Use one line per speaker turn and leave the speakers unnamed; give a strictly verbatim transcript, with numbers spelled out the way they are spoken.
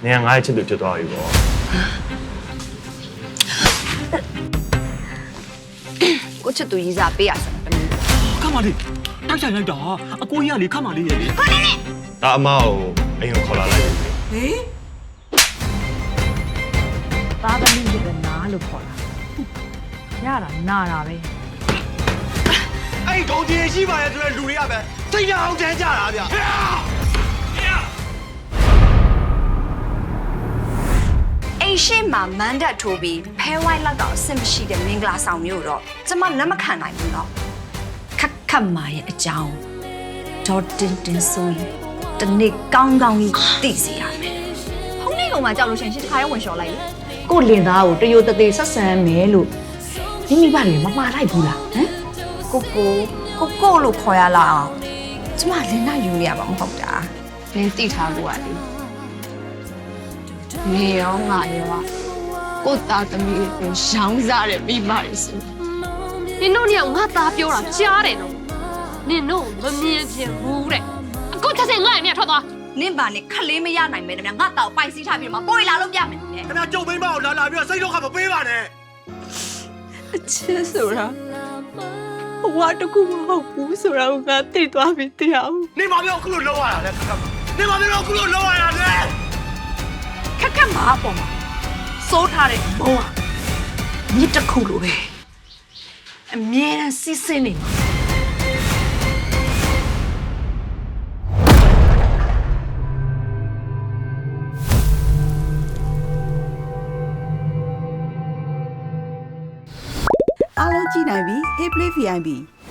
နေရာငါ့ရဲ့ချစ်သူဖြစ်သွားပြီပေါ့
ကိုချစ်သူရေးစားပေးရစမ်းတမီး
ခမလေးတိုက်ဆိုင်လိုက်တာအကိုကြီးကလေခမလေးရဲ့လေ
ဟာနေနေ
ဒါအမကိုအိမ်ကိုခေါ်လာလိုက်ပြီ
ဟေး
သားသမီးရဲ့နားလို့ခေါ်တာရတာနာတာပဲ
အဲ့ဒီကောင်ကြီးရှိပါရဲ့ဆိုတဲ့လူတွေကပဲစိတ်ရအောင်တန်းကြတာဗျာ
အိမ်ရှိမှာမန်တက်ထိုးပြီးဖဲဝိုင်းလောက်တော့အဆင်မရှိတဲ့မင်္ဂလာဆောင်မျိုးတော့ကျမလက်မခံနိုင်ဘူးတော့ခက်ခက်မာရဲ့အကြောင်းဒေါ်တင်တင်ဆိုရင်တနေ့ကောင်းကောင်းကြီးသိစီရမယ်ဖုန်းလေးကောင်မှကြောက်လို့ရှင်ရှင်းတစ်ခါရဲဝင်လျှော်လိုက်လေ
ကိုလင်သားကိုတရိုတသေးဆက်ဆံမယ်လို့မိမိဘာတွေမမှားလိုက်ဘူးလားဟမ်
ကိုကိုကိုကိုလို့ခေါ်ရလားအောင်ကျမလင်းနာယူနေရမှာမဟုတ်တာလင်းသိထားလို့ရတယ်နေရောငါရောကိုသားသမီးကိုရောင်းစားတယ်ပြီးပါလေဆို
နင်တို့ညငါသားပြောတာကြားတယ်နော်နင်တို့မမြင်ပြင်ဘူးတဲ့အခုချက်စင်ငါ့အမြတ်ထွက်သွား
နင့်ပါနဲ့ခလေးမရနိုင်မဲတမငါတောက်ပိုက်စီးထားပြီးတော့ပိုးလာလို့ပြမယ်နဲ့
ခင်ဗျာကြုံမိမကိုလာလာပြီးတော့စိတ်တော့ခမပေးပါနဲ့
အချစ်ဆိုတာဘဝတကူမဟုတ်ဘူးဆိုတာကိုငါသိသွားပြီတရားဦး
နေမပြောအခုလို့လောက်ရတာလဲခက်ခက်နေမပြောအခုလို့လောက်ရတာလဲ
ခက်ခက်မှာအပေါ်မှာစိုးထားတဲ့ဘုံကမြစ်တစ်ခုလိုပဲအမြဲတမ်းစစ်စစ်နေမှာ
အားလုံးကြည့်နိုင်ပြီ Hey Play ဗီ အိုင် ပီ